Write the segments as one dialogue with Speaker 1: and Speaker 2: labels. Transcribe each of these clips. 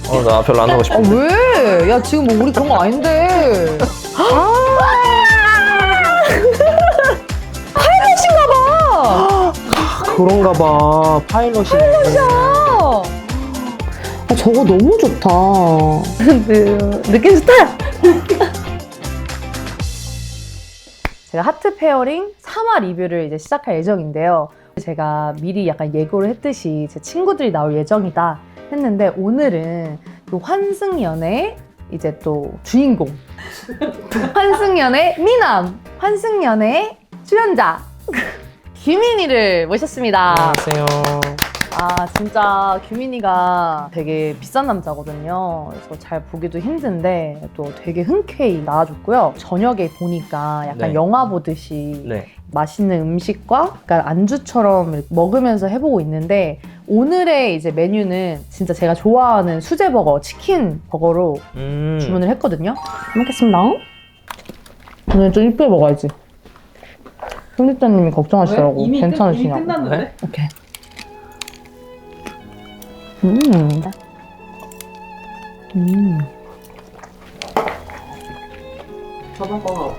Speaker 1: 나 별로 안 하고 싶은데.
Speaker 2: 왜? 야 지금 뭐 우리 그런 거 아닌데. 파일럿인가 봐.
Speaker 1: 그런가 봐. 파일럿이야.
Speaker 2: 저거 너무 좋다. 느낌 좋다. 제가 하트 페어링 3화 리뷰를 이제 시작할 예정인데요. 제가 미리 약간 예고를 했듯이 제 친구들이 나올 예정이다 했는데 오늘은 그 환승연의 이제 또 주인공 환승연의 미남 환승연의 출연자 규민이를 모셨습니다.
Speaker 1: 안녕하세요.
Speaker 2: 아 진짜 규민이가 되게 비싼 남자거든요. 그래서 잘 보기도 힘든데 또 되게 흔쾌히 나와줬고요. 저녁에 보니까 약간
Speaker 1: 네.
Speaker 2: 영화 보듯이
Speaker 1: 네.
Speaker 2: 맛있는 음식과 약간 안주처럼 이렇게 먹으면서 해보고 있는데 오늘의 이제 메뉴는 진짜 제가 좋아하는 수제 버거, 치킨 버거로 주문을 했거든요. 잘 먹겠습니다. 오늘 좀 이쁘게 먹어야지. 편집자님이 걱정하시더라고.
Speaker 3: 이미
Speaker 2: 괜찮으시냐고.
Speaker 3: 끝났는데?
Speaker 1: 네?
Speaker 2: 오케이.
Speaker 3: 저번 거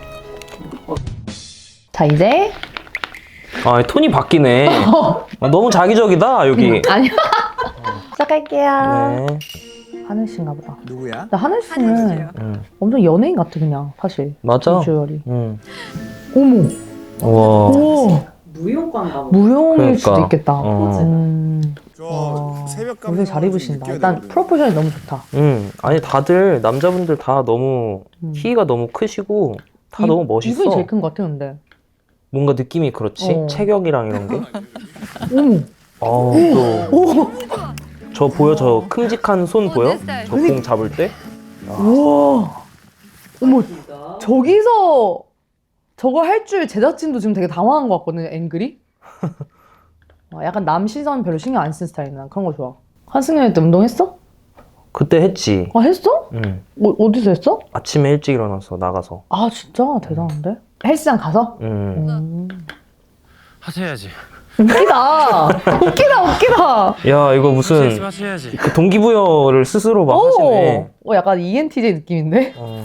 Speaker 2: 자 이제
Speaker 1: 아, 톤이 바뀌네. 너무 자기적이다, 여기.
Speaker 2: 아니요. 시작할게요.
Speaker 1: 네.
Speaker 2: 하늘 씨인가 보다.
Speaker 4: 누구야?
Speaker 2: 근데 하늘 씨는 엄청 연예인 같아 그냥 사실.
Speaker 1: 맞아.
Speaker 2: 비주얼이.
Speaker 1: 우와.
Speaker 2: 오.
Speaker 3: 무용과인가 보다.
Speaker 2: 무용일
Speaker 1: 그러니까.
Speaker 2: 수도 있겠다.
Speaker 1: 어.
Speaker 4: 저 새벽
Speaker 2: 오늘 잘 입으신다. 일단 프로포션이 너무 좋다.
Speaker 1: 아니, 다들, 남자분들 다 너무,
Speaker 2: 음.
Speaker 1: 키가 너무 크시고, 다 너무 멋있어.
Speaker 2: 이분이 제일 큰 것 같아 근데.
Speaker 1: 뭔가 느낌이 그렇지?
Speaker 2: 어.
Speaker 1: 체격이랑 이런 게.
Speaker 2: 어머.
Speaker 1: 또. 저 보여? 저 큼직한 손 보여? 저 공 잡을 때?
Speaker 2: 우와. 어머
Speaker 3: 진짜.
Speaker 2: 저기서 저거 할 줄 제작진도 지금 되게 당황한 것 같거든요 앵글이. 약간 남 시선 별로 신경 안 쓴 스타일이야. 난 그런 거 좋아. 한승연이 때 운동했어?
Speaker 1: 그때 했지.
Speaker 2: 아 했어?
Speaker 1: 응.
Speaker 2: 어디서 했어?
Speaker 1: 아침에 일찍 일어나서 나가서.
Speaker 2: 아 진짜 대단한데? 헬스장 가서?
Speaker 5: 하셔야지.
Speaker 2: 웃기다. 웃기다.
Speaker 1: 야, 이거 무슨,
Speaker 5: 하셔야지.
Speaker 1: 그 동기부여를 스스로 막 하시네.
Speaker 2: 약간 ENTJ 느낌인데?
Speaker 1: 어.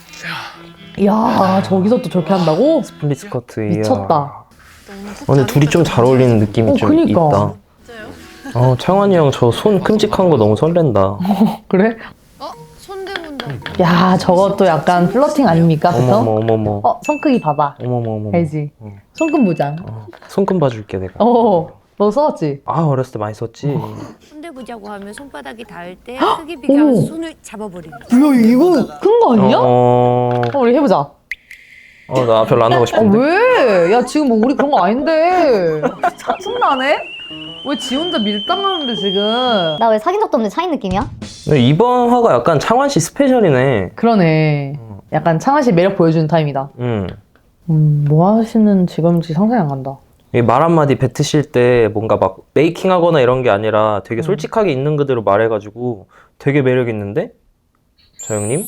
Speaker 2: 이야 저기서 또 저렇게 한다고?
Speaker 1: 스플릿 스커트. 이야.
Speaker 2: 미쳤다.
Speaker 1: 근데 둘이 좀 잘 어울리는 느낌이 좀
Speaker 2: 그니까.
Speaker 1: 있다. 창환이 형 저 손 큼직한 거 너무 설렌다.
Speaker 2: 그래?
Speaker 6: 손대문다.
Speaker 2: 야 저것도 약간 플러팅 아닙니까? 그쵸?
Speaker 1: 어머머.
Speaker 2: 손 크기 봐봐.
Speaker 1: 어머머.
Speaker 2: 알지?
Speaker 1: 어.
Speaker 2: 손금 모장.
Speaker 1: 손금 봐줄게 내가.
Speaker 2: 너 써왔지?
Speaker 1: 아, 어렸을 때 많이 썼지.
Speaker 6: 손대보자고 하면 손바닥이 닿을 때 크기 비교하면서
Speaker 2: 어머.
Speaker 6: 손을 잡아버립니다.
Speaker 2: 뭐야 이거 큰 거 아니야?
Speaker 1: 우리
Speaker 2: 우리 해보자.
Speaker 1: 나 별로 안 하고 싶은데.
Speaker 2: 왜? 야 지금 뭐 우리 그런 거 아닌데. 짜증나네? 왜 지 혼자 밀당하는데 지금?
Speaker 7: 나 왜 사귄 적도 없는데 차인 느낌이야?
Speaker 1: 근데 이번 화가 약간 창환 씨 스페셜이네.
Speaker 2: 그러네. 약간 창한 씨 매력 보여주는 타임이다. 뭐 하시는 직업인지 상상이 안 간다.
Speaker 1: 말 한마디 뱉으실 때 뭔가 막 메이킹하거나 이런 게 아니라 되게 솔직하게 있는 그대로 말해가지고 되게 매력 있는데? 저 형님?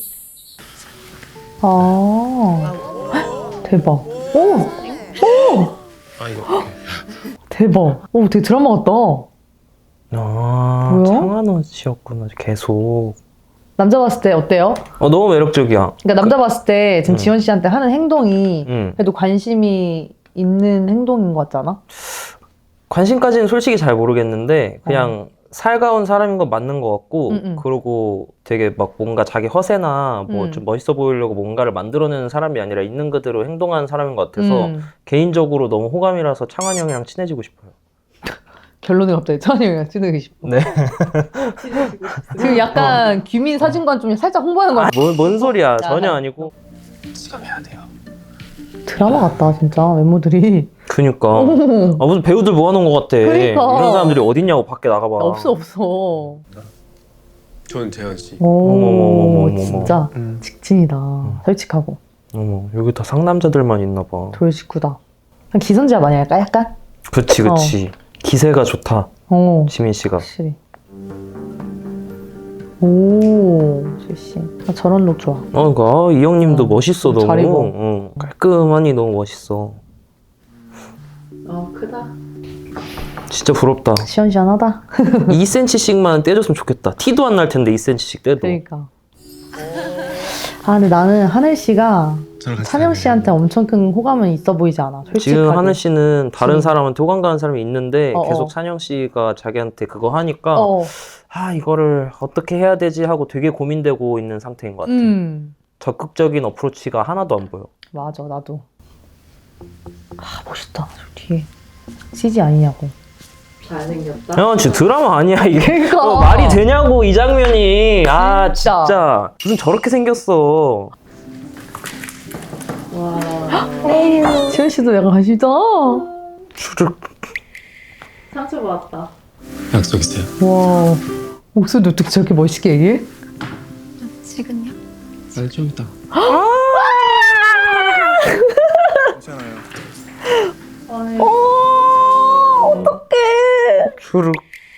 Speaker 2: 아 대박. 오
Speaker 5: 아 이거.
Speaker 2: 대박. 오 되게 드라마 같다. 뭐야?
Speaker 1: 창환 씨였구나 계속.
Speaker 2: 남자 봤을 때 어때요?
Speaker 1: 너무 매력적이야.
Speaker 2: 그러니까 남자 봤을 때 지금 지원 씨한테 하는 행동이 그래도 관심이 있는 행동인 것 같지 않아?
Speaker 1: 관심까지는 솔직히 잘 모르겠는데 그냥 살가운 사람인 건 맞는 것 같고 그리고 되게 막 뭔가 자기 허세나 뭐 좀 멋있어 보이려고 뭔가를 만들어내는 사람이 아니라 있는 그대로 행동하는 사람인 것 같아서 개인적으로 너무 호감이라서 창환이 형이랑 친해지고 싶어요.
Speaker 2: 결론이 갑자기 찬이 형이랑 친해지고 싶어.
Speaker 1: 네.
Speaker 2: 지금 약간 규민 사진관 좀 살짝 홍보하는 거 같아.
Speaker 1: 뭔 소리야. 전혀 아니고.
Speaker 5: 수감해야 돼요.
Speaker 2: 드라마 같다 진짜 외모들이.
Speaker 1: 그니까. 무슨 배우들 모아놓은 것 같아.
Speaker 2: 그러니까.
Speaker 1: 이런 사람들이 어딨냐고 밖에 나가봐.
Speaker 2: 없어.
Speaker 5: 저는 재현 씨.
Speaker 2: 오
Speaker 1: 어머머머머머머.
Speaker 2: 진짜 직진이다. 솔직하고
Speaker 1: 어머, 여기 다 상남자들만 있나 봐.
Speaker 2: 돌직구다. 기선제압 많이 할까 약간?
Speaker 1: 그치. 기세가 좋다. 지민 씨가.
Speaker 2: 확실히. 오 실시. 저런 룩 좋아.
Speaker 1: 그러니까 이 형님도 멋있어 너무.
Speaker 2: 잘 입어.
Speaker 1: 깔끔하니 너무 멋있어.
Speaker 3: 크다.
Speaker 1: 진짜 부럽다.
Speaker 2: 시원시원하다.
Speaker 1: 2cm씩만 떼줬으면 좋겠다. 티도 안 날 텐데 2cm씩 떼도.
Speaker 2: 그러니까. 아 근데 나는 하늘 씨가 찬영 씨한테 엄청 큰 호감은 있어 보이지 않아. 솔직하게.
Speaker 1: 지금 하늘 씨는 다른
Speaker 2: 그치.
Speaker 1: 사람한테 호감 가는 사람이 있는데
Speaker 2: 어어.
Speaker 1: 계속 찬영 씨가 자기한테 그거 하니까
Speaker 2: 어.
Speaker 1: 아 이거를 어떻게 해야 되지 하고 되게 고민되고 있는 상태인 것 같아. 적극적인 어프로치가 하나도 안 보여.
Speaker 2: 맞아 나도. 아 멋있다. 저 뒤에 CG 아니냐고.
Speaker 3: 잘생겼다.
Speaker 1: 야 진짜 드라마 아니야 이게.
Speaker 2: 그러니까.
Speaker 1: 말이 되냐고 이 장면이. 아
Speaker 2: 진짜.
Speaker 1: 진짜 무슨 저렇게 생겼어.
Speaker 3: 와.
Speaker 2: 지현 씨도 약간 관심있다.
Speaker 1: 주르륵.
Speaker 3: 상처받았다.
Speaker 5: 약속 있어요.
Speaker 2: 와 목소리도 어떻게 저렇게 멋있게 얘기해?
Speaker 6: 지금요?
Speaker 5: 좀 이따.
Speaker 2: 어떡해.
Speaker 1: 주르륵.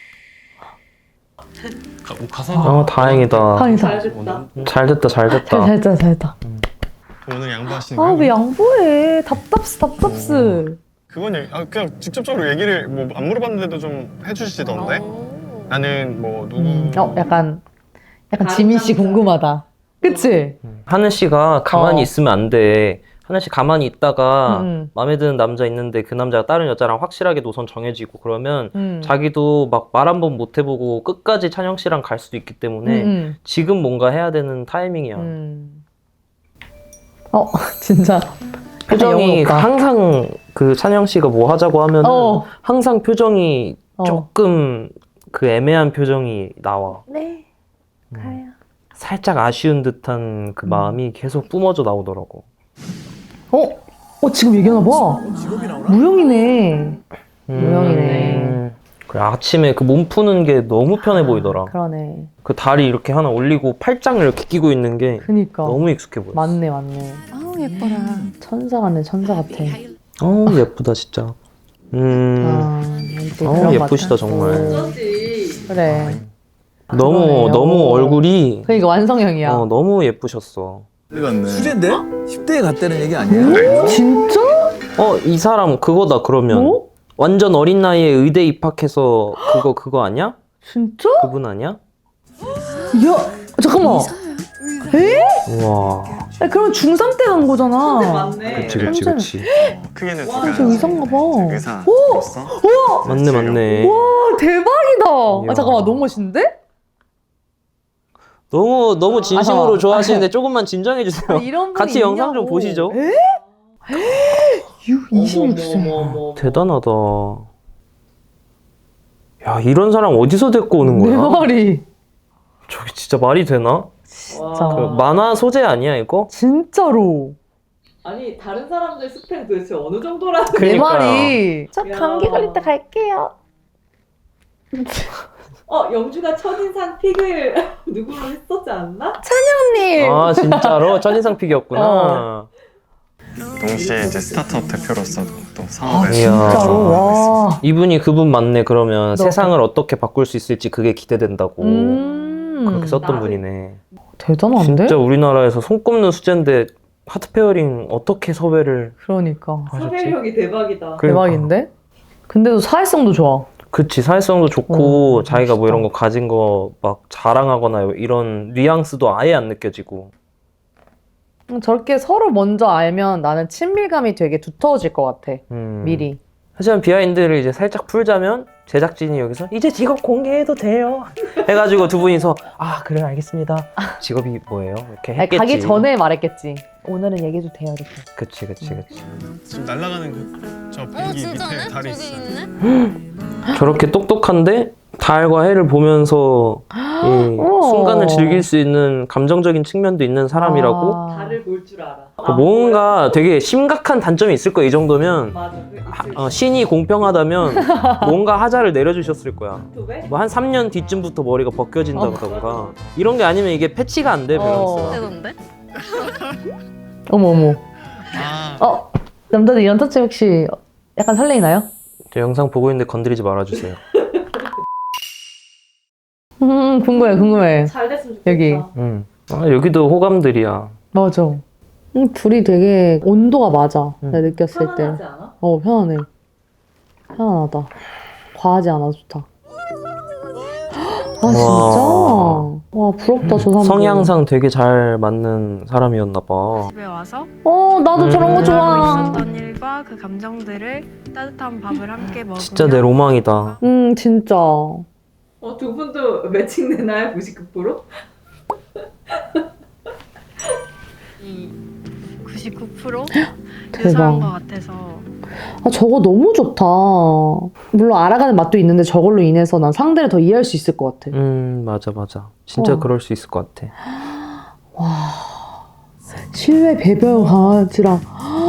Speaker 5: 가서
Speaker 1: 아 다행이다.
Speaker 2: 다행이다.
Speaker 3: 잘됐다.
Speaker 1: 잘 됐다 잘 됐다.
Speaker 2: 잘했다 잘했다.
Speaker 5: 오늘 양보하시는
Speaker 2: 아
Speaker 5: 거예요?
Speaker 2: 왜 양보해. 답답스.
Speaker 5: 그건 그냥 직접적으로 얘기를 뭐 안 물어봤는데도 좀 해주시던데. 나는 뭐 누구
Speaker 2: 약간
Speaker 3: 다른
Speaker 2: 지민 씨
Speaker 3: 남자.
Speaker 2: 궁금하다. 그치?
Speaker 1: 하늘 씨가 가만히
Speaker 2: 어.
Speaker 1: 있으면 안 돼. 하늘 씨 가만히 있다가
Speaker 2: 음.
Speaker 1: 마음에 드는 남자 있는데 그 남자가 다른 여자랑 확실하게 노선 정해지고 그러면
Speaker 2: 응.
Speaker 1: 자기도 막 말 한 번 못 해보고 끝까지 찬영 씨랑 갈 수도 있기 때문에
Speaker 2: 응.
Speaker 1: 지금 뭔가 해야 되는 타이밍이야.
Speaker 2: 진짜.
Speaker 1: 표정이
Speaker 2: 영혼 오빠.
Speaker 1: 항상 그 찬영 씨가 뭐 하자고 하면
Speaker 2: 어.
Speaker 1: 항상 표정이
Speaker 2: 어.
Speaker 1: 조금 그 애매한 표정이 나와.
Speaker 2: 네.
Speaker 1: 음. 살짝 아쉬운 듯한 그 마음이 계속 뿜어져 나오더라고.
Speaker 2: 지금 얘기하나 봐. 무용이네. 무용이네.
Speaker 1: 그래, 아침에 그 몸 푸는 게 너무 편해 보이더라.
Speaker 2: 그러네.
Speaker 1: 그 다리 이렇게 하나 올리고 팔짱을 이렇게 끼고 있는 게
Speaker 2: 그니까.
Speaker 1: 너무 익숙해 보여.
Speaker 2: 맞네.
Speaker 6: 아우 예뻐라.
Speaker 2: 천사 같네. 천사 같아.
Speaker 1: 예쁘다 진짜.
Speaker 2: 또 그런 것
Speaker 1: 예쁘시다
Speaker 2: 같아.
Speaker 1: 정말.
Speaker 3: 어쩌지.
Speaker 2: 그래.
Speaker 1: 너무
Speaker 2: 그러네요.
Speaker 1: 얼굴이
Speaker 2: 그러니까 완성형이야.
Speaker 1: 너무 예쁘셨어.
Speaker 4: 수제인데? 10대에 갔다는 얘기 아니에요?
Speaker 2: 진짜?
Speaker 1: 이 사람 그거다 그러면.
Speaker 2: 뭐?
Speaker 1: 완전 어린 나이에 의대 입학해서 그거 아니야?
Speaker 2: 진짜?
Speaker 1: 그분 아니야?
Speaker 2: 야, 잠깐만.
Speaker 1: 우와.
Speaker 2: 야, 그럼 중3 때 간 거잖아.
Speaker 3: 맞네.
Speaker 1: 그치.
Speaker 5: 크게는
Speaker 2: 와, 저 의사인가 봐.
Speaker 5: 의사로서
Speaker 1: 맞네.
Speaker 2: 와, 대박이다.
Speaker 1: 이야.
Speaker 2: 잠깐만, 너무 멋있는데?
Speaker 1: 너무 진심으로
Speaker 2: 잠깐만.
Speaker 1: 좋아하시는데 조금만 진정해 주세요.
Speaker 2: 이런 분이
Speaker 1: 같이 영상 좀
Speaker 2: 있냐고.
Speaker 1: 보시죠.
Speaker 2: 26세.
Speaker 1: 대단하다. 야, 이런 사람 어디서 데리고 오는
Speaker 2: 내
Speaker 1: 거야?
Speaker 2: 말이.
Speaker 1: 저게 진짜 말이 되나?
Speaker 2: 진짜.
Speaker 1: 그 만화 소재 아니야, 이거?
Speaker 2: 진짜로.
Speaker 3: 아니 다른 사람들 스펙 도대체 어느 정도라는
Speaker 2: 내
Speaker 1: 그러니까요.
Speaker 2: 말이. 저
Speaker 3: 야.
Speaker 2: 감기 걸릴 때 갈게요.
Speaker 3: 영주가 첫인상 픽을 누구로 했었지 않나?
Speaker 2: 님.
Speaker 1: 아, 진짜로? 첫인상 픽이었구나.
Speaker 5: 동시에 이제 스타트업 대표로서도 또
Speaker 2: 아,
Speaker 5: 사업을
Speaker 1: 이야.
Speaker 2: 진짜로. 와.
Speaker 1: 이분이 그분 맞네, 그러면.
Speaker 2: 너.
Speaker 1: 세상을 어떻게 바꿀 수 있을지 그게 기대된다고. 그렇게 썼던
Speaker 3: 나를-
Speaker 1: 분이네.
Speaker 2: 대단한데?
Speaker 1: 진짜 우리나라에서 손꼽는 수제인데 하트 페어링 어떻게 섭외를
Speaker 2: 그러니까.
Speaker 1: 하셨지?
Speaker 3: 섭외력이 대박이다.
Speaker 1: 그러니까.
Speaker 2: 대박인데? 근데도 사회성도 좋아.
Speaker 1: 그치, 사회성도 좋고 자기가 뭐
Speaker 2: 멋있다.
Speaker 1: 이런 거 가진 거 막 자랑하거나 이런 뉘앙스도 아예 안 느껴지고.
Speaker 2: 저렇게 서로 먼저 알면 나는 친밀감이 되게 두터워질 것 같아. 미리.
Speaker 1: 하지만 비하인드를 이제 살짝 풀자면 제작진이 여기서 이제 직업 공개해도 돼요 해가지고 두 분이서 그래 알겠습니다. 직업이 뭐예요? 이렇게
Speaker 2: 아니,
Speaker 1: 했겠지.
Speaker 2: 가기 전에 말했겠지. 오늘은 얘기해도 돼요, 이렇게.
Speaker 1: 그치.
Speaker 5: 지금 날아가는 저 비행기 밑에 달이 있어요.
Speaker 1: 저렇게 똑똑한데 달과 해를 보면서 이
Speaker 2: 우와.
Speaker 1: 순간을 즐길 수 있는 감정적인 측면도 있는 사람이라고.
Speaker 2: 아.
Speaker 3: 달을 볼 줄 알아.
Speaker 1: 뭔가 되게 심각한 단점이 있을 거야. 이 정도면
Speaker 3: 맞아.
Speaker 1: 신이 공평하다면 뭔가 하자를 내려주셨을 거야.
Speaker 3: 왜?
Speaker 1: 뭐 한 3년 뒤쯤부터 머리가 벗겨진다던가 이런 게 아니면 이게 패치가 안 돼, 밸런스가.
Speaker 6: 되던데?
Speaker 2: 어머.
Speaker 5: 아,
Speaker 2: 남자들 이런 터치 혹시 약간 설레이나요?
Speaker 1: 저 영상 보고 있는데 건드리지 말아주세요.
Speaker 2: 궁금해.
Speaker 3: 잘 됐으면 좋겠다.
Speaker 2: 여기.
Speaker 1: 여기도 호감들이야.
Speaker 2: 맞아. 둘이 되게 온도가 맞아. 내가 느꼈을 때.
Speaker 3: 편안하지 않아?
Speaker 2: 편안해. 편안하다. 과하지 않아서 좋다. 아 진짜? 와 부럽다 저 사람.
Speaker 1: 성향상 되게 잘 맞는 사람이었나 봐.
Speaker 8: 집에 와서
Speaker 2: 나도 저런 거
Speaker 8: 하고
Speaker 2: 좋아.
Speaker 8: 있었던 일과 그 감정들을 따뜻한 밥을 함께 먹으며
Speaker 1: 진짜 내 로망이다.
Speaker 2: 진짜.
Speaker 3: 두 분도 매칭 되나요? 99%?
Speaker 8: 99%
Speaker 2: 대박.
Speaker 8: 유사한 것 같아서
Speaker 2: 아 저거 너무 좋다. 물론 알아가는 맛도 있는데 저걸로 인해서 난 상대를 더 이해할 수 있을 것 같아.
Speaker 1: 맞아. 진짜
Speaker 2: 와.
Speaker 1: 그럴 수 있을 것 같아.
Speaker 2: 실외 배변 강아지랑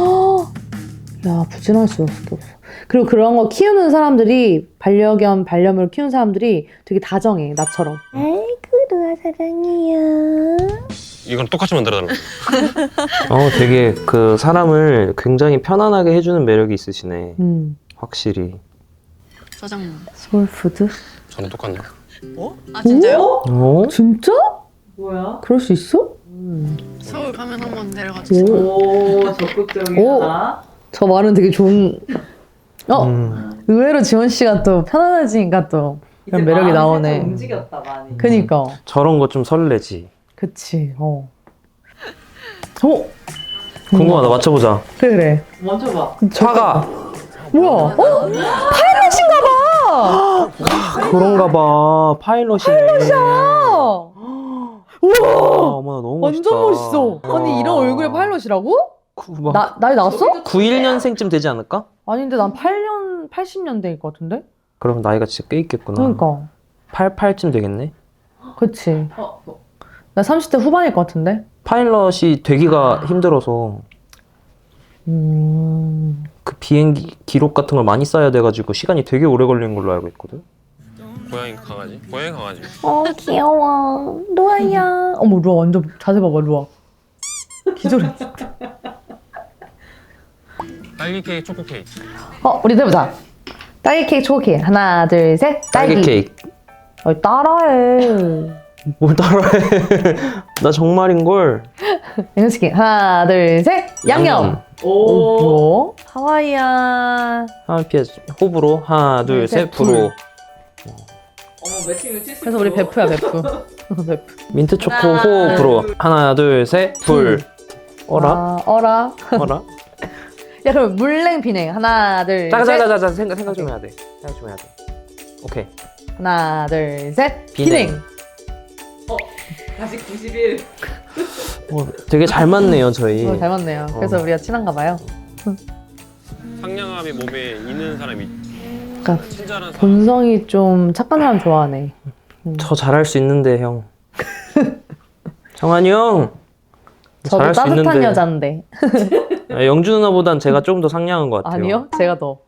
Speaker 2: 야 부진할 수밖에 없어. 그리고 그런 거 키우는 사람들이 반려견 반려묘를 키우는 사람들이 되게 다정해 나처럼. 아이고 루아 사랑해요.
Speaker 5: 이건 똑같이 만들어달라.
Speaker 1: 되게 그 사람을 굉장히 편안하게 해주는 매력이 있으시네. 확실히.
Speaker 8: 짜장면.
Speaker 2: 소울푸드?
Speaker 5: 저는 똑같네요.
Speaker 8: 아 진짜요?
Speaker 2: 진짜?
Speaker 3: 뭐야?
Speaker 2: 그럴 수 있어?
Speaker 8: 서울 가면 한번 데려가 주세요.
Speaker 3: 오, 적극적이다.
Speaker 2: 저 말은 되게 좋은. 의외로 지원 씨가 또 편안해지니까 또 그런 매력이 나오네.
Speaker 3: 움직였다 많이.
Speaker 2: 그니까.
Speaker 1: 저런 거 좀 설레지.
Speaker 2: 그치.
Speaker 1: 궁금하다. 맞춰보자.
Speaker 2: 그래.
Speaker 3: 먼저 봐.
Speaker 1: 차가.
Speaker 2: 뭐야? 파일럿인가 봐.
Speaker 1: 그런가 봐. 파일럿이네.
Speaker 2: 우와.
Speaker 1: 어머나 너무 멋있다.
Speaker 2: 완전 멋있어. 아니 이런 얼굴에 파일럿이라고?
Speaker 1: 막
Speaker 2: 나이 나왔어?
Speaker 1: 91년생쯤 되지 않을까?
Speaker 2: 아닌데 난 80년대일 것 같은데?
Speaker 1: 그럼 나이가 진짜 꽤 있겠구나.
Speaker 2: 그러니까.
Speaker 1: 88쯤 되겠네.
Speaker 2: 그치. 나 30대 후반일 것 같은데?
Speaker 1: 파일럿이 되기가 힘들어서 그 비행기 기록 같은 걸 많이 쌓아야 돼가지고 시간이 되게 오래 걸리는 걸로 알고 있거든.
Speaker 5: 고양이 강아지? 고양이 강아지.
Speaker 2: 귀여워. 루아야. 어머 루아 완전 자세 봐봐 루아. 기절했어.
Speaker 5: 딸기 케이크, 초코 케이크.
Speaker 2: 우리 해보자. 딸기 케이크 초코 케이크. 하나 둘 셋.
Speaker 1: 딸기 케이크.
Speaker 2: 따라해.
Speaker 1: 뭘 따라해. 나 정말인걸.
Speaker 2: 양념치킨. 하나 둘 셋. 양념.
Speaker 3: 오.
Speaker 2: 뭐? 하와이안.
Speaker 1: 하나 피해 호불호. 하나 둘 셋. 불호.
Speaker 3: 매칭을 70%.
Speaker 2: 그래서 우리 베프야 베프. 베프.
Speaker 1: 민트 초코
Speaker 3: 하나,
Speaker 1: 호 불호.
Speaker 3: 둘.
Speaker 1: 하나 둘 셋. 불. 어라?
Speaker 2: 어라.
Speaker 1: 어라?
Speaker 2: 야 그럼 물냉 비냉. 하나 둘 셋.
Speaker 1: 자자자자 생각 좀 해야 돼. 생각 좀 해야 돼. 오케이.
Speaker 2: 하나 둘 셋.
Speaker 1: 비냉.
Speaker 2: 비냉.
Speaker 3: 다시 91.
Speaker 1: 되게 잘 맞네요 저희.
Speaker 2: 잘 맞네요. 그래서 우리가 친한가 봐요.
Speaker 5: 상냥함이 몸에 있는 사람이
Speaker 2: 그러니까
Speaker 5: 친절한 사람.
Speaker 2: 본성이 좀 착한 사람 좋아하네.
Speaker 1: 저 잘할 수 있는데 형. 정한이 형.
Speaker 2: 저도
Speaker 1: 잘할 수
Speaker 2: 따뜻한
Speaker 1: 있는데.
Speaker 2: 여잔데.
Speaker 1: 영주 누나보단 제가 좀 더 상냥한 것 같아요.
Speaker 2: 아니요? 제가 더.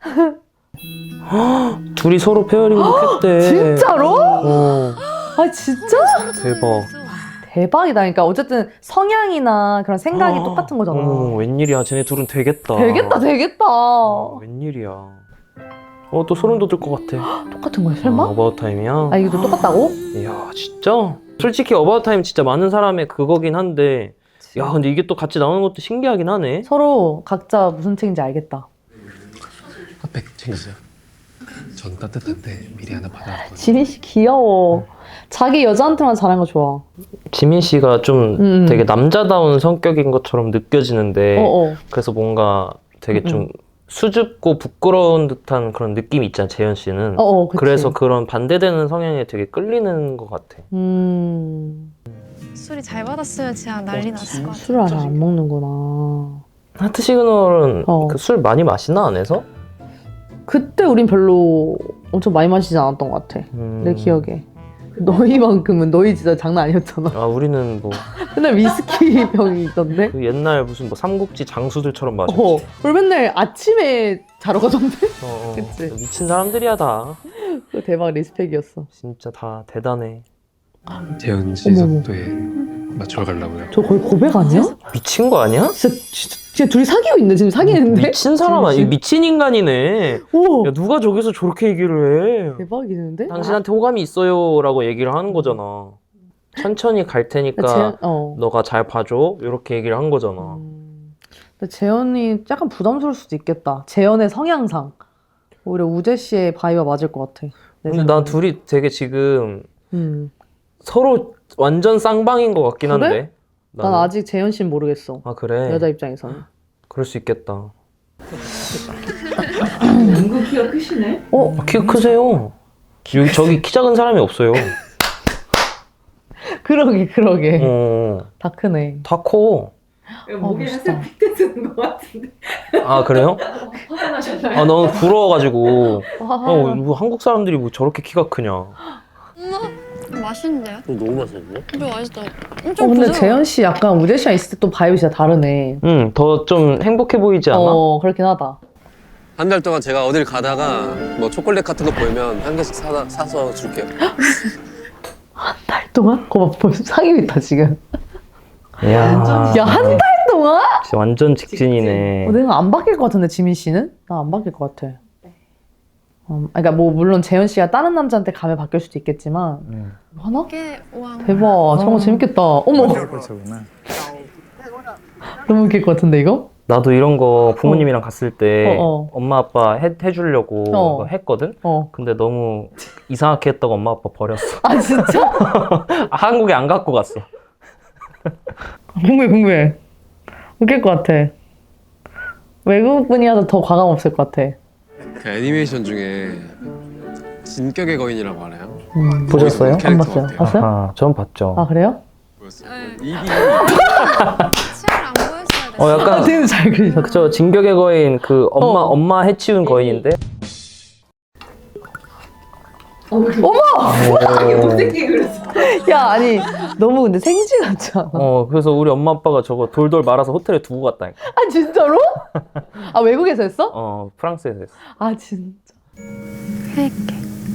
Speaker 1: 둘이 서로 페어링북 했대.
Speaker 2: 진짜로?
Speaker 1: 어,
Speaker 2: 아 진짜?
Speaker 1: 대박.
Speaker 2: 대박이다. 그러니까 어쨌든 성향이나 그런 생각이 똑같은 거잖아.
Speaker 1: 어머, 웬일이야. 쟤네 둘은 되겠다.
Speaker 2: 되겠다.
Speaker 1: 웬일이야. 또 소름 돋을 것 같아.
Speaker 2: 똑같은 거야 설마?
Speaker 1: 어바웃 타임이야?
Speaker 2: 아 이거 똑같다고?
Speaker 1: 이야, 진짜? 솔직히 어바웃 타임 진짜 많은 사람의 그거긴 한데, 야, 근데 이게 또 같이 나오는 것도 신기하긴 하네.
Speaker 2: 서로 각자 무슨 책인지 알겠다.
Speaker 9: 핫팩 챙기세요. 전 따뜻한데 미리 하나 받아왔거든요.
Speaker 2: 지민 씨 귀여워. 자기 여자한테만 잘하는 거 좋아.
Speaker 1: 지민 씨가 좀 되게 남자다운 성격인 것처럼 느껴지는데, 그래서 뭔가 되게 좀 수줍고 부끄러운 듯한 그런 느낌이 있잖아, 재현 씨는.
Speaker 2: 그치.
Speaker 1: 그래서 그런 반대되는 성향에 되게 끌리는 것 같아.
Speaker 8: 술이 잘 받았으면 진짜 난리 났을 것 같아.
Speaker 2: 술을 아직 안 먹는구나.
Speaker 1: 하트 시그널은
Speaker 2: 어.
Speaker 1: 그 술 많이 마시나, 안에서?
Speaker 2: 그때 우린 별로 엄청 많이 마시지 않았던 것 같아. 내 기억에. 너희만큼은 너희 진짜 장난 아니었잖아.
Speaker 1: 아, 우리는 뭐
Speaker 2: 맨날 위스키 병이 있던데?
Speaker 1: 그 옛날 무슨 뭐 삼국지 장수들처럼 마셨지.
Speaker 2: 우리 맨날 아침에 자러 가던데? 그치.
Speaker 1: 미친 사람들이야 다.
Speaker 2: 그거 대박 리스펙이었어.
Speaker 1: 진짜 다 대단해.
Speaker 9: 재현 씨
Speaker 2: 어머머.
Speaker 9: 속도에 맞춰 가려고요.
Speaker 2: 저 거의 고백 아니야?
Speaker 1: 미친 거 아니야?
Speaker 2: 진짜 둘이 사귀고 있네. 지금 사귀는데?
Speaker 1: 미친 사람 아니야? 미친 인간이네.
Speaker 2: 오!
Speaker 1: 야, 누가 저기서 저렇게 얘기를 해?
Speaker 2: 대박이는데?
Speaker 1: 당신한테 호감이 있어요 라고 얘기를 하는 거잖아. 천천히 갈 테니까 너가 잘 봐줘 이렇게 얘기를 한 거잖아.
Speaker 2: 근데 재현이 약간 부담스러울 수도 있겠다. 재현의 성향상. 오히려 우재 씨의 바이와 맞을 것 같아. 내
Speaker 1: 근데 나
Speaker 2: 생각엔.
Speaker 1: 둘이 되게 지금
Speaker 2: 음.
Speaker 1: 서로 완전 쌍방인 것 같긴
Speaker 2: 그래?
Speaker 1: 한데.
Speaker 2: 난
Speaker 1: 나는.
Speaker 2: 아직 재현 씨는 모르겠어.
Speaker 1: 아 그래?
Speaker 2: 여자 입장에서는.
Speaker 1: 그럴 수 있겠다.
Speaker 3: 은근 키가 크시네.
Speaker 1: 키가 크세요. 여기 저기 키 작은 사람이 없어요.
Speaker 2: 그러게.
Speaker 1: 어,
Speaker 2: 다 크네.
Speaker 1: 다 커.
Speaker 3: 목에
Speaker 2: 멋있다.
Speaker 3: 살짝 픽대 쓰는 것 같은데.
Speaker 1: 아 그래요?
Speaker 3: 화가 나셨나요?
Speaker 1: 아 너무 부러워가지고.
Speaker 2: 와.
Speaker 1: 뭐 한국 사람들이 뭐 저렇게 키가 크냐.
Speaker 8: 맛있는데요?
Speaker 9: 너무 맛있는데?
Speaker 8: 이거 맛있다. 엄청
Speaker 2: 근데
Speaker 8: 부드러워.
Speaker 2: 재현 씨 약간 우재 씨랑 있을 때 또 바이브 진짜 다르네.
Speaker 1: 더 좀 행복해 보이지 않아?
Speaker 2: 그렇긴 하다.
Speaker 9: 한 달 동안 제가 어딜 가다가 뭐 초콜릿 같은 거 보이면 한 개씩 사서 줄게요.
Speaker 2: 달 동안? 그거 벌써 사귀고 있다 지금.
Speaker 1: 이야.
Speaker 2: 야, 한 달 동안?
Speaker 1: 진짜 완전 직진이네.
Speaker 2: 내가 안 바뀔 것 같은데 지민 씨는? 나 안 바뀔 것 같아. 그러니까 뭐 물론 재현 씨가 다른 남자한테 가면 바뀔 수도 있겠지만 하나?
Speaker 8: 와.
Speaker 2: 대박. 저런 거 재밌겠다. 어머.
Speaker 4: 그렇구나.
Speaker 2: 너무 웃길 것 같은데 이거?
Speaker 1: 나도 이런 거 부모님이랑 갔을 때
Speaker 2: 어.
Speaker 1: 엄마 아빠 해주려고 그거 했거든? 근데 너무 이상하게 했다고 엄마 아빠 버렸어.
Speaker 2: 아 진짜?
Speaker 1: 한국에 안 갖고 갔어.
Speaker 2: 궁금해. 웃길 것 같아. 외국 분이라도 더 과감 없을 것 같아.
Speaker 9: 그 애니메이션 중에 진격의 거인이라고 알아요?
Speaker 1: 보셨어요?
Speaker 9: 거기서
Speaker 2: 안
Speaker 9: 캐릭터
Speaker 2: 봤어요.
Speaker 9: 같아요.
Speaker 2: 봤어요?
Speaker 1: 아, 전 봤죠.
Speaker 2: 아 그래요?
Speaker 9: 보였어요.
Speaker 8: 네.
Speaker 9: 입이
Speaker 8: 치아를 안 보였어야 돼.
Speaker 1: 약간
Speaker 2: 되게 잘 그리셨어.
Speaker 1: 그쵸, 진격의 거인 그 엄마 해치운 거인인데.
Speaker 2: 어머!
Speaker 3: 못생기게 그렸어.
Speaker 2: 야 아니 너무 근데 생쥐 같지 않아?
Speaker 1: 그래서 우리 엄마 아빠가 저거 돌돌 말아서 호텔에 두고 갔다니까.
Speaker 2: 아 진짜로? 아 외국에서 했어?
Speaker 1: 프랑스에서 했어.
Speaker 2: 아 진짜.
Speaker 8: 할게.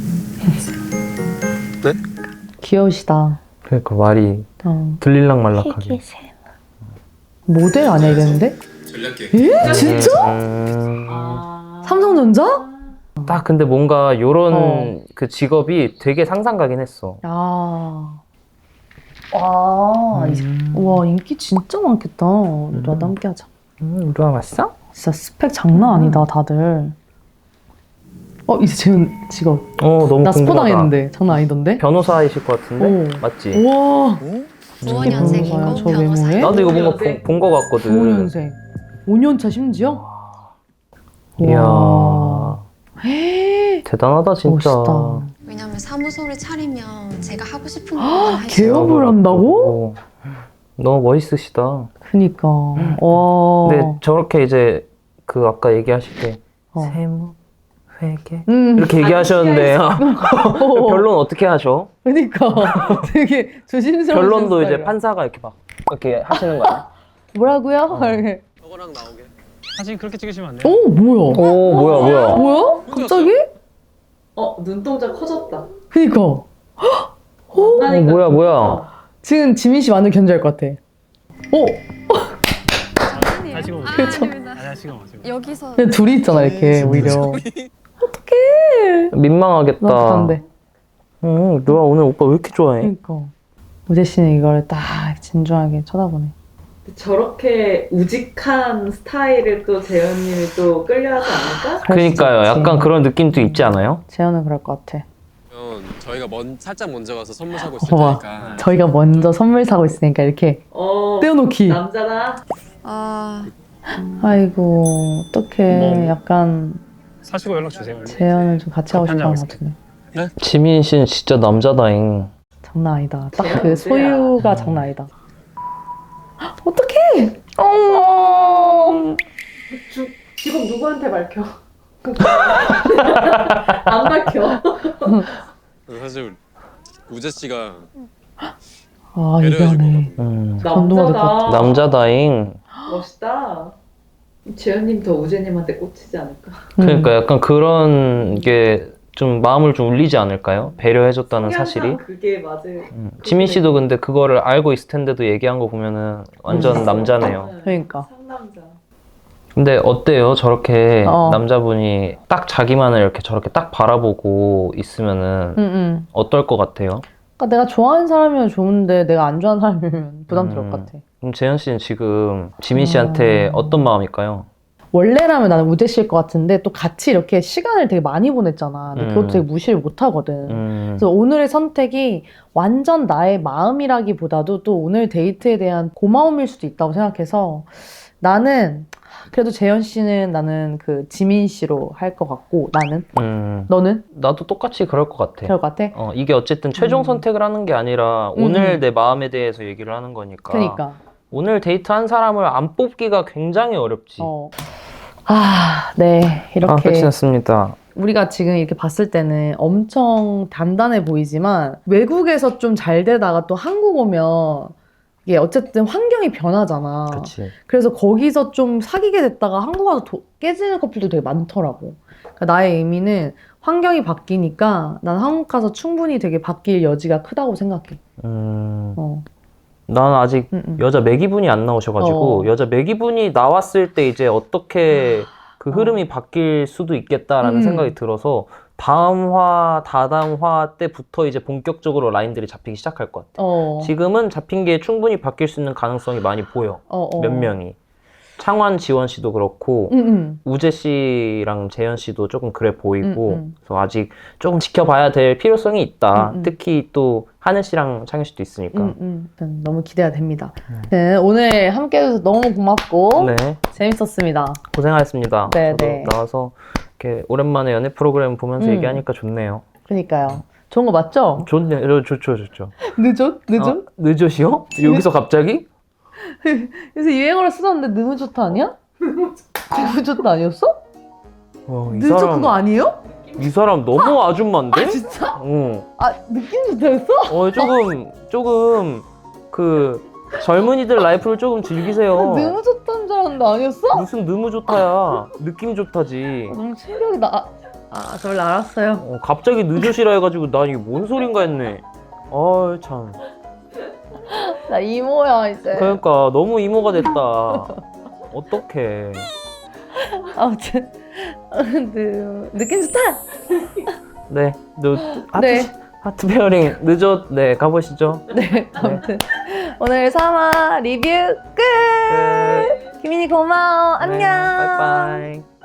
Speaker 9: 네?
Speaker 2: 귀여우시다.
Speaker 1: 그러니까 말이
Speaker 2: 어.
Speaker 1: 들릴랑 말락하게.
Speaker 2: 모델 아니야 이랬는데?
Speaker 9: 전략계.
Speaker 2: 에? 진짜? 삼성전자?
Speaker 1: 딱 근데 뭔가 요런 그 직업이 되게 상상가긴 했어.
Speaker 2: 야. 와 인기 진짜 많겠다. 우리도 함께 하자.
Speaker 1: 우리가 왔어?
Speaker 2: 진짜 스펙 장난 아니다 다들. 이제 재훈 직업.
Speaker 1: 너무
Speaker 2: 나 스포
Speaker 1: 궁금하다.
Speaker 2: 당했는데 장난 아니던데?
Speaker 1: 변호사이실 것 같은데?
Speaker 2: 오.
Speaker 1: 맞지?
Speaker 2: 우와.
Speaker 8: 무언년생이고
Speaker 2: 저
Speaker 8: 변호사.
Speaker 2: 외모에?
Speaker 1: 나도 이거 뭔가 본 거 같거든.
Speaker 2: 5년생. 5년차 심지어?
Speaker 1: 이야. 대단하다 진짜.
Speaker 2: 멋있다.
Speaker 8: 왜냐면 사무소를 차리면 제가 하고 싶은 것만 할 수 있어요.
Speaker 2: 개업을 한다고?
Speaker 1: 너무 멋있으시다.
Speaker 2: 그니까. 와.
Speaker 1: 근데 저렇게 이제 그 아까 얘기하실 때 세무, 회계 이렇게 얘기하셨는데 결론 어떻게 하셔?
Speaker 2: 그니까 되게 조심스러워.
Speaker 1: 결론도 이제 판사가 이렇게 막 이렇게 하시는 거야.
Speaker 2: 뭐라고요? 이렇게.
Speaker 9: 저거랑 나오게.
Speaker 5: 사진 그렇게 찍으시면 안 돼요?
Speaker 2: 오 뭐야?
Speaker 1: 오 뭐야?
Speaker 2: 뭐야? 갑자기?
Speaker 3: 눈동자 커졌다.
Speaker 2: 그니까.
Speaker 1: 뭐야?
Speaker 2: 지금 지민 씨 완전 견제할 것 같아.
Speaker 5: 잘 찍어 보세요.
Speaker 2: 그렇죠.
Speaker 5: 잘 찍어 보세요.
Speaker 8: 여기서
Speaker 2: 근데 둘이 있잖아 이렇게 오히려.
Speaker 1: 민망하겠다.
Speaker 2: 나 부담돼.
Speaker 1: 누아 오늘 오빠 왜 이렇게 좋아해?
Speaker 2: 그니까. 우재 씨는 이걸 딱 진중하게 쳐다보네.
Speaker 3: 저렇게 우직한 스타일을 또 재현님이 또 끌려하지 않을까?
Speaker 1: 그러니까요. 약간 그런 느낌도 있지 않아요?
Speaker 2: 재현은 그럴 것 같아.
Speaker 9: 그러면 저희가 살짝 먼저 가서 선물 사고 있을
Speaker 2: 봐봐.
Speaker 9: 테니까.
Speaker 2: 저희가 먼저 선물 사고 있으니까 이렇게 떼어놓기.
Speaker 3: 남자다.
Speaker 2: 아이고 어떡해. 약간
Speaker 5: 사시고 연락 주세요.
Speaker 2: 재현을 좀 같이 하고
Speaker 5: 커피
Speaker 2: 싶은
Speaker 5: 한잔
Speaker 2: 것 같은데.
Speaker 1: 지민 씨는 진짜 남자다잉.
Speaker 2: 장난 아니다. 딱
Speaker 3: 재현
Speaker 2: 그
Speaker 3: 어때요?
Speaker 2: 소유가 장난 아니다. 어떡해! 어머!
Speaker 3: 직업 누구한테 밝혀? 안 밝혀.
Speaker 9: 사실 우재 씨가
Speaker 2: 아
Speaker 9: 배려해줄
Speaker 2: 이거네.
Speaker 9: 거거든요.
Speaker 2: 감동받을 것 같아.
Speaker 1: 남자다잉.
Speaker 3: 멋있다. 재현님 더 우재님한테 꽂히지 않을까?
Speaker 1: 그러니까 약간 그런 게 좀 마음을 좀 울리지 않을까요? 배려해줬다는 사실이.
Speaker 3: 항상 그게 맞을.
Speaker 1: 지민 씨도 근데 그거를 알고 있을 텐데도 얘기한 거 보면은 완전 남자네요.
Speaker 2: 그러니까.
Speaker 3: 상남자.
Speaker 1: 근데 어때요? 저렇게
Speaker 2: 어.
Speaker 1: 남자분이 딱 자기만을 이렇게 저렇게 딱 바라보고 있으면은 어떨 것 같아요?
Speaker 2: 그러니까 내가 좋아하는 사람이면 좋은데 내가 안 좋아하는 사람이면 부담스러울 것 같아.
Speaker 1: 그럼 재현 씨는 지금 지민 씨한테 어떤 마음일까요?
Speaker 2: 원래라면 나는 우재 씨일 것 같은데 또 같이 이렇게 시간을 되게 많이 보냈잖아. 근데 그것도 되게 무시를 못 하거든. 그래서 오늘의 선택이 완전 나의 마음이라기보다도 또 오늘 데이트에 대한 고마움일 수도 있다고 생각해서 나는 그래도 재현 씨는 나는 그 지민 씨로 할 것 같고 나는 너는?
Speaker 1: 나도 똑같이 그럴 것 같아.
Speaker 2: 그럴 것 같아?
Speaker 1: 이게 어쨌든 최종 선택을 하는 게 아니라 오늘 내 마음에 대해서 얘기를 하는 거니까.
Speaker 2: 그러니까.
Speaker 1: 오늘 데이트한 사람을 안 뽑기가 굉장히 어렵지.
Speaker 2: 네. 이렇게
Speaker 1: 끝이 났습니다.
Speaker 2: 우리가 지금 이렇게 봤을 때는 엄청 단단해 보이지만 외국에서 좀 잘 되다가 또 한국 오면 이게 어쨌든 환경이 변하잖아.
Speaker 1: 그치.
Speaker 2: 그래서 거기서 좀 사귀게 됐다가 한국 와서 깨지는 커플도 되게 많더라고. 그러니까 나의 의미는 환경이 바뀌니까 난 한국 가서 충분히 되게 바뀔 여지가 크다고 생각해.
Speaker 1: 난 아직 여자 매기분이 안 나오셔가지고 여자 매기분이 나왔을 때 이제 어떻게 그 흐름이 바뀔 수도 있겠다라는 생각이 들어서 다음 화, 다다음 화 때부터 이제 본격적으로 라인들이 잡히기 시작할 것 같아. 지금은 잡힌 게 충분히 바뀔 수 있는 가능성이 많이 보여. 몇 명이. 창완, 지원 씨도 그렇고 우재 씨랑 재현 씨도 조금 그래 보이고 그래서 아직 조금 지켜봐야 될 필요성이 있다. 특히 또 하늘 씨랑 창현 씨도 있으니까.
Speaker 2: 너무 기대가 됩니다. 네, 오늘 함께 해줘서 너무 고맙고
Speaker 1: 네.
Speaker 2: 재밌었습니다.
Speaker 1: 고생하셨습니다.
Speaker 2: 네,
Speaker 1: 저도
Speaker 2: 네.
Speaker 1: 나와서 이렇게 오랜만에 연애 프로그램 보면서 얘기하니까 좋네요.
Speaker 2: 그러니까요. 좋은 거 맞죠?
Speaker 1: 좋네요. 좋죠.
Speaker 2: 늦었?
Speaker 1: 늦었이요? 여기서 갑자기?
Speaker 2: 요새 유행어로 쓰던데 너무 좋다 아니야? 너무 좋다 아니었어?
Speaker 1: 이
Speaker 2: 늦었
Speaker 1: 사람,
Speaker 2: 그거 아니에요?
Speaker 1: 이 사람 너무 아줌마인데?
Speaker 2: 진짜?
Speaker 1: 응.
Speaker 2: 느낌 좋다였어?
Speaker 1: 조금 그 젊은이들 라이프를 조금 즐기세요.
Speaker 2: 너무 좋다는 줄 알았는데 아니었어?
Speaker 1: 무슨 너무 좋다야. 느낌 좋다지.
Speaker 2: 너무 충격이다. 저 원래 알았어요.
Speaker 1: 갑자기 늦으시라 해가지고 난 이게 뭔 소린가 했네. 참.
Speaker 2: 나 이모야 이제.
Speaker 1: 그러니까 너무 이모가 됐다. 어떡해.
Speaker 2: 아무튼 느낌 좋다.
Speaker 1: 네,
Speaker 2: 네.
Speaker 1: 하트 페어링 늦었. 네, 가보시죠.
Speaker 2: 네, 아무튼 오늘 3화 리뷰 끝. 김민희 고마워. 안녕.
Speaker 1: 네, 바이바이.